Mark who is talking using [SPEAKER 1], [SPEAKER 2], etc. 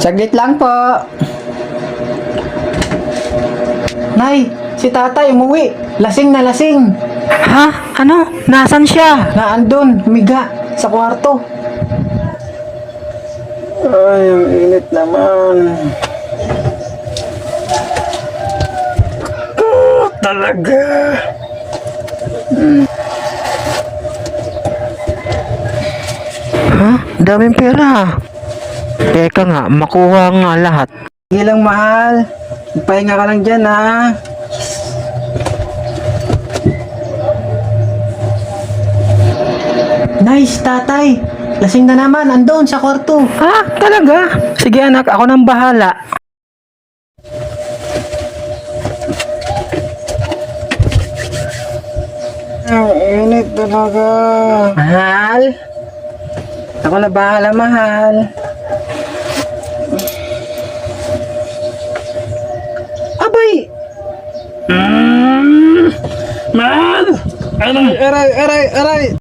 [SPEAKER 1] Saglit lang po. Nay, si tatay umuwi. Lasing na lasing.
[SPEAKER 2] Ha? Ano? Nasaan siya?
[SPEAKER 1] Naandun, humiga sa kwarto. Ay, ang init naman. Talaga.
[SPEAKER 2] Ha? Daming pera. Teka nga, makuha nga lahat.
[SPEAKER 1] Sige lang, mahal. Pahinga ka lang dyan, ha? Nice, tatay. Lasing na naman, andun sa kwarto.
[SPEAKER 2] Ha? Talaga? Sige anak, ako nang bahala.
[SPEAKER 1] Ang init talaga. Mahal? Ako na bahala, mahal. Abay!
[SPEAKER 2] Mahal!
[SPEAKER 1] Aray, aray, aray, aray!